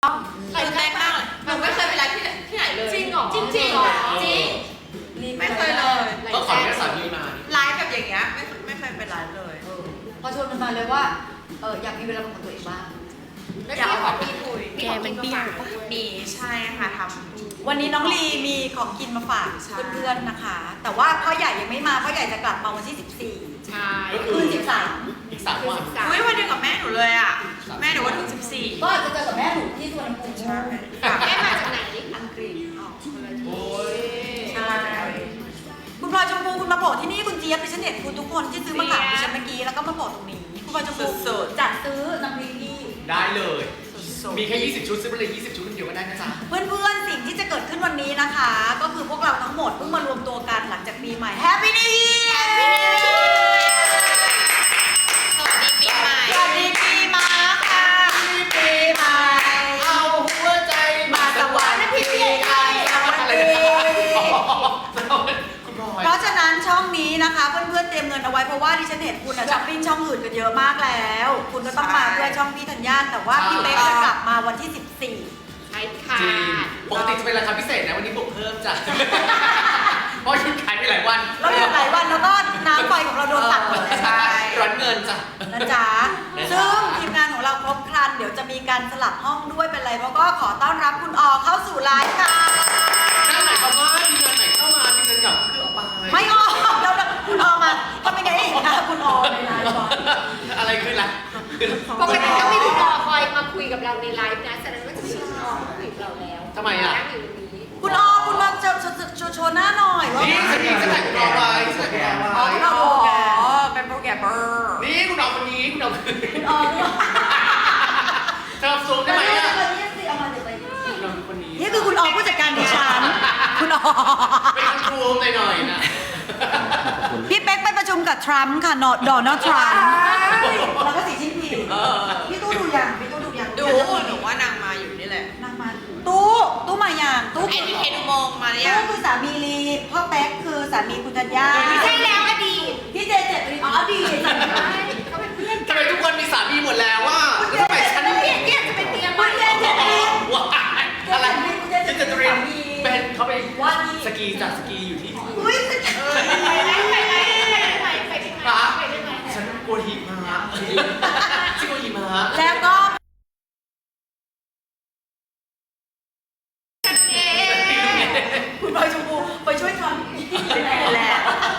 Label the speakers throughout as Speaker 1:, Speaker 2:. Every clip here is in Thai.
Speaker 1: ตื่นเต้นมากเลยหนูไม่เคยไปไลฟ์ที่ไหนเลย
Speaker 2: จริงเหรอ
Speaker 1: จริงเหรอจริงไม่เคยเลย
Speaker 3: ก็ขอแค่สามีมา
Speaker 1: ไลฟ์แบบอย่างเงี้ยไม่เคยไปไลฟ์เลย
Speaker 2: พอชวนมันมาเลยว่าอยากมีเวลาเป็นของตัวเองบ้าง
Speaker 1: อยากเอาของพี่คุย
Speaker 2: แกมันเบี้ยว
Speaker 1: มีใช่ค่ะท
Speaker 4: วันนี้น้องลีมีของกินมาฝาก
Speaker 1: ใช่
Speaker 4: เพื่อนๆนะคะ แต่ว่าพ่อใหญ่ยังไม่มาพ่อใหญ่จะกลับมาวันที่
Speaker 2: ใช่
Speaker 3: ก็
Speaker 4: 14
Speaker 3: คื
Speaker 4: คื
Speaker 3: อน
Speaker 4: 13
Speaker 3: อีก3 วัน
Speaker 1: ำอุ้ยวันเดียวกับแม่หนูเลยอ่ะแม่หนูว่าถึง14
Speaker 4: ก็อาจจะเจอกับแม่หนูที่สุวรรณภูมิ
Speaker 1: ใช่
Speaker 2: แม่มาจากไหน
Speaker 4: อังกฤษ
Speaker 3: โอ้ย
Speaker 4: ใช่คุณพลอยชมพูคุณมาโผล่ที่นี่คุณเจี๊ยบดิฉันเห็นคุณทุกคนที่ซื้อมาฝากดิฉันเมื่อกี้แล้วก็มาโผล่ตรงนี้คุณพลอยชมพูจัดซื้อน้ำพริกที่
Speaker 3: ได้เลย
Speaker 1: สุด
Speaker 3: มีแค่ 20 ชุดซื้อไปเลย 20 ชุดคนเดียวก็ได้นะจ๊ะ
Speaker 4: เพื่อนๆสิ่งที่จะเกิดขึ้นวันนี้นะคะ ก็คือพวกเราทั้งหมดเพิ่งมารวมตัวกันหลังจากปีใหม่ Happy New Year
Speaker 1: สวัสดีปีใหม่
Speaker 4: สวัสดีปีใหม่ค่ะปีใหม่
Speaker 3: เอาหัวใจมาสวรรค์
Speaker 4: พี่เอกสวัสดี
Speaker 3: คุณพลอย
Speaker 4: เพราะฉะนั้นช่องนี้นะคะเพื่อนๆเตรียมเงินเอาไว้เพราะว่าดิฉันเห็นคุณช้อปปิ้งช่องอื่นกันเยอะมากแล้ว คุณก็ต้องมาเพื่อช่องพี่ธัญญาแต่ว่าพี่เป๊กจะกลับมาวันที่
Speaker 2: ใช่ค่ะ
Speaker 3: จริงปกติจะเป็นราคาพิเศษนะวันนี้บวกเพิ่มจ้ะเพราะหยุดขายไปหลายวัน
Speaker 4: 14แล้วอยู่หลายวันแล้วก็น้ำไฟของเราโดนตัดหมดเลย
Speaker 3: ใช่ร้อนเงินจ้ะ
Speaker 4: นะจ๊ะซึ่งทีมงานของเราครบครันเดี๋ยวจะมีการสลับห้องด้วยเป็นไรเพราะก็ขอต้อนรับคุณออเข้าสู่ไลฟ์ค่ะ
Speaker 3: นั่นหมายความว่าทีมงานไหนเข้ามาทีมงานเก่าคือเอาไป
Speaker 4: ไม่ออกแล้วคุณออมาทำไมไงอีกนะคุณออในไลฟ์ก่อน
Speaker 3: อะไรคือล่ะ
Speaker 2: ปกติต้องมีคุณออคอยมาคุยกับเราในไลฟ์นะแสดงว่าจะมีคุณออมาคุยกับเราแล้ว
Speaker 3: ทำไมอ่ะ
Speaker 2: นั่งอยู่ตรงนี้
Speaker 4: คุณออคุณมาโชว์หน้าหน่อยว่า
Speaker 3: นี่สกีจะแต่งคุณเอาไว้สกีเอา
Speaker 4: อ๋อ
Speaker 3: ไว้
Speaker 4: คุณออโปรแกรม
Speaker 1: อ๋อเป็นโปรแกรมเมอร์
Speaker 3: นี่คุณเอาคนนี้คุณเอาคนนี้
Speaker 4: คุณออเนี่ย
Speaker 3: เธอซูมได้ไหมอ่ะ
Speaker 4: เอามาสิเอามาเดี๋ยวไป
Speaker 3: คุณเอาคนนี้
Speaker 4: นี่คือคุณออผู้จัดการดิฉันคุณออ
Speaker 3: เป็นครูหน่อยๆนะ
Speaker 4: พี่เป๊กไปประชุมกับทรัมป์ค่ะโดนัลด์ทรัมป์แล้วก็สีชิ้นผิง
Speaker 3: เออ
Speaker 4: พี่ตู้ดูยังพี่ตู้ดูยัง
Speaker 1: ดูหนูว่านางมาอยู่นี่แหละ
Speaker 4: นางมาตู้มาอย่างตู้
Speaker 1: ไอ้ที่เฮดูมองมาหรือยัง
Speaker 4: ตู้คือสามีลีพ่อแป๊กคือสามีคุณธัญญา
Speaker 2: ใช่แล้วอดีต
Speaker 4: พี่เจเจ็ดอ๋ออดีต
Speaker 2: ใช่เขาเป็นเพื่อน
Speaker 3: ทำไมทุกคนมีสามีหมดแล้วอ่ะแล้วทำไมฉัน
Speaker 2: เนี่ยจะเป็นเตียง
Speaker 4: คุณเจเจ็ดลี
Speaker 3: ว้ายอะไรฉันจะเตรียมเป็นเขาไปสกีจากสกีอยู่ที่
Speaker 4: อุ้ย
Speaker 2: ไปได้ไหมไปได้ไหม
Speaker 3: ฉันกลัวหิมะฉันกลัวหิมะ
Speaker 4: แล้วก็ คุณพลอยชมพูไปช่วยทำแหละ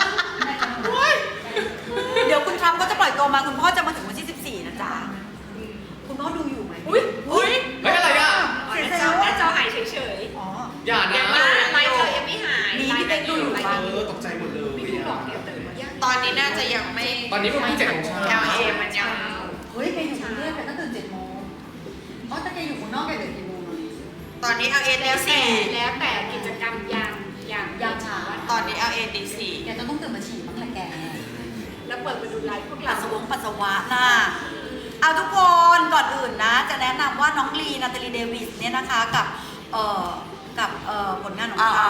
Speaker 4: เดี๋ยวคุณทรัมป์ก็จะปล่อยตัวมาคุณพ่อจะมาถึงวันที่ 14 นะจ๊ะ คุณพ่อดูอยู่ไหมอุ้ย
Speaker 3: เฮ้ยอะไรอ่ะ
Speaker 4: เสียใจ
Speaker 2: หน้า
Speaker 4: ว่า
Speaker 2: จอหายเฉย
Speaker 4: อ๋อ
Speaker 3: อย่านะ
Speaker 2: ยังไลฟ์เธอยังไม่หาย
Speaker 4: มีพี่เป๊กดูอยู่
Speaker 3: ตกใจหมดเลย
Speaker 2: ไม่รู้หรอกเดี๋ยวตื่นมายัง
Speaker 1: ตอนนี้น่าจะยังไม่
Speaker 3: ตอนนี้ประมาณ7 โมงเช้า
Speaker 1: LA มันยัง
Speaker 4: เฮ้ยแกอยู่กรุงเทพแกต้องตื่น7 โมงอ๋อแต่แกอยู่ข้างนอกแกตื่นกี่โมงอะ
Speaker 1: ตอนนี้ LA ตี
Speaker 2: แล้วแต่กิจกรรมยามเช้า
Speaker 1: 4ตอนนี้ LA ตี
Speaker 4: แกจะต้องตื่นมาฉี่บ้างแหละแก
Speaker 2: แล้วเปิดมาดูไลฟ์พวก
Speaker 4: ปั
Speaker 2: เรา
Speaker 4: สสาวะน่ะเอาทุกคนก่อนอื่นนะ จะแนะนำว่าน้องลีนาตาลีเดวิสเนี่ยนะคะกับผลงานของเขา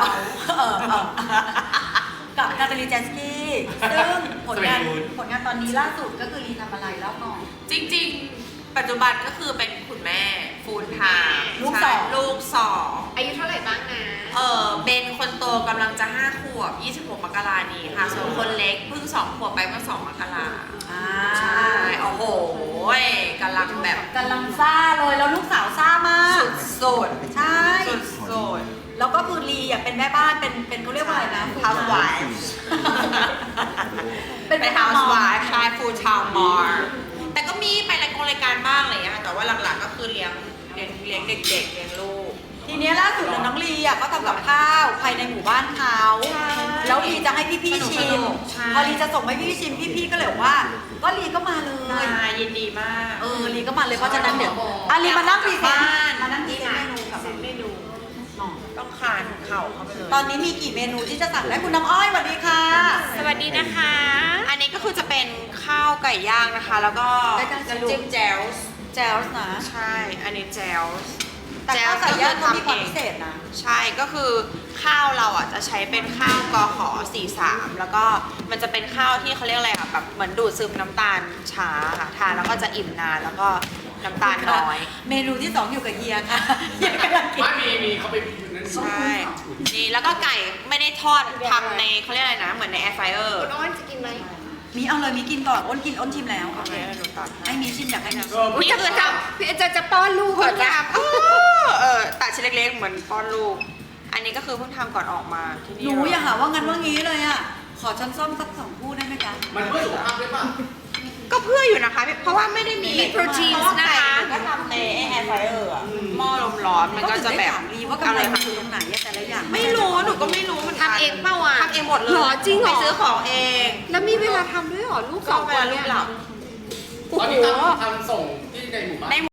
Speaker 4: กับนาตาลีแจนสกี้ซึ่งผลงานตอนนี้ล่าสุดก็คือลีทำอะไรแล้วก่อน
Speaker 1: จริงๆ ปัจจุบันก็คือเป็นคุณแม่ฟูลไทม์
Speaker 4: ลูกสอง
Speaker 1: ลูกสอง
Speaker 2: อายุเท่าไหร่บ้างนะ
Speaker 1: เบนคนโตกำลังจะ5 ขวบ 26 มกรานี้ค่ะ ส่วนคนเล็กเพิ่ง 2 ขวบไปเมื่อ 2 มกรา ใช่ โอ้โหกำลังแบบ
Speaker 4: กำลังซ่าเลยแล้วลูกสาวซ่ามาก
Speaker 1: สุด
Speaker 4: ใช่
Speaker 1: สุด
Speaker 4: แล้วก็คือลีอ่ะเป็นแม่บ้านเป็นเขาเรียกว่าอะไรนะ
Speaker 1: housewife
Speaker 4: เป็น
Speaker 1: เป็น housewife ใช่ full time mom แต่ก็มีไปรายการบ้างอะไรอย่างเงี้ยค่ะแต่ว่าหลักๆก็คือเลี้ยงเด็กๆเลี้ยงลูก
Speaker 4: ทีเนี้ยล่าสุดน้องลีอ่ะก็ทำกับข้าวภายในหมู่บ้านเขาแล้วลีจะให้พี่ๆชิม
Speaker 1: ใช่
Speaker 4: พอลีจะส่งให้พี่ๆชิมพี่ๆก็เลยบอกว่าก็ลีก็มาเลย
Speaker 1: ยินดีมาก
Speaker 4: ลีก็มาเลยเพราะฉะนั้นเดี๋ยวลีมานั่งพรีเซนต์มานั่งพรีเซนต์เมนูกับ
Speaker 2: เมนู
Speaker 1: ต้องคานเข่าเข้าไปเลย
Speaker 4: ตอนนี้มีกี่เมนูที่จะสั่งได้คุณน้ำอ้อยสวัสดีค่ะ
Speaker 2: สวัสดีนะคะ
Speaker 1: อันนี้ก็คือจะเป็นข้าวไก่ย่างนะคะ แล้วก็จะจิ้มแจวส์
Speaker 4: แจลส์นะ
Speaker 1: ใช่ อันนี้แจวส์
Speaker 4: แต่ข้าวไก่ย่างเขามีความพิเศษนะ
Speaker 1: ใช่ก็คือข้าวเราอ่ะจะใช้เป็นข้าวกข43แล้วก็มันจะเป็นข้าวที่เขาเรียกอะไรอ่ะแบบเหมือนดูดซึมน้ำตาลช้าค่ะทานแล้วก็จะอิ่มนานแล้วก็น้ำตาลน้อย
Speaker 4: เมนูที่ 2 อยู่กับเฮียค่ะเฮียกำลังกิน
Speaker 3: ไม่มีเขาไปนั้น
Speaker 1: ใช่นี่แล้วก็ไก่ไม่ได้ทอดทำในเขาเรียกอะไรนะเหมือนในแอร์ไฟเออร์
Speaker 2: คุณอ้อนจะกินไหม
Speaker 4: มีเอาเลยมีกินก่อนอ้นกินอ้นชิมแล้ว
Speaker 1: โอเคหนูตัด
Speaker 4: ให้มีชิมอยากให้นะ
Speaker 1: นี่คือทำ
Speaker 2: พี่จะป้อนลูก
Speaker 1: เพิ่
Speaker 2: ก่อง นนะ
Speaker 1: ทำตัดชิ้นเล็กๆเหมือนป้อนลูก อันนี้ก็คือเพิ่งทำก่อนออกมาที่นี่
Speaker 4: หนูอย่าหาว่างั้นว่างี้เลยอ่ะขอช้อนส้อมสัก2 คู่ได้ไหมจ๊ะ
Speaker 3: มันเพื่อสุขภาพด้วยป่ะ
Speaker 1: ก็เพื่ออยู่นะคะ เพราะว่าไม่ได้มี
Speaker 4: มีโปรตีน
Speaker 1: เพราะว่า
Speaker 4: นะคะ
Speaker 1: ไก่ก็ทำในแอร์ไฟเออร์อะหม้อลมร้อนมันก็จะแบบ
Speaker 4: ถามลีว่ากำไรมันอยู่ตรงไหนอะแต่ละอย่าง
Speaker 1: ไม่รู้หนูก็ไม่รู้เหมือนกัน
Speaker 2: ทำเองเปล่าอ่ะ
Speaker 1: ทำเองหมดเลย
Speaker 2: หรอจริงเหรอ
Speaker 1: ไปซื้อของเอง
Speaker 2: แล้วมีเวลาทำด้วยเหรอลูก
Speaker 1: ก็
Speaker 2: 2
Speaker 1: เว
Speaker 2: คน
Speaker 1: ลาลู
Speaker 2: เนี่
Speaker 1: ก
Speaker 2: ย
Speaker 1: หลับ
Speaker 3: ตอนนี้ทำส่งที่ในหมู่บ้าน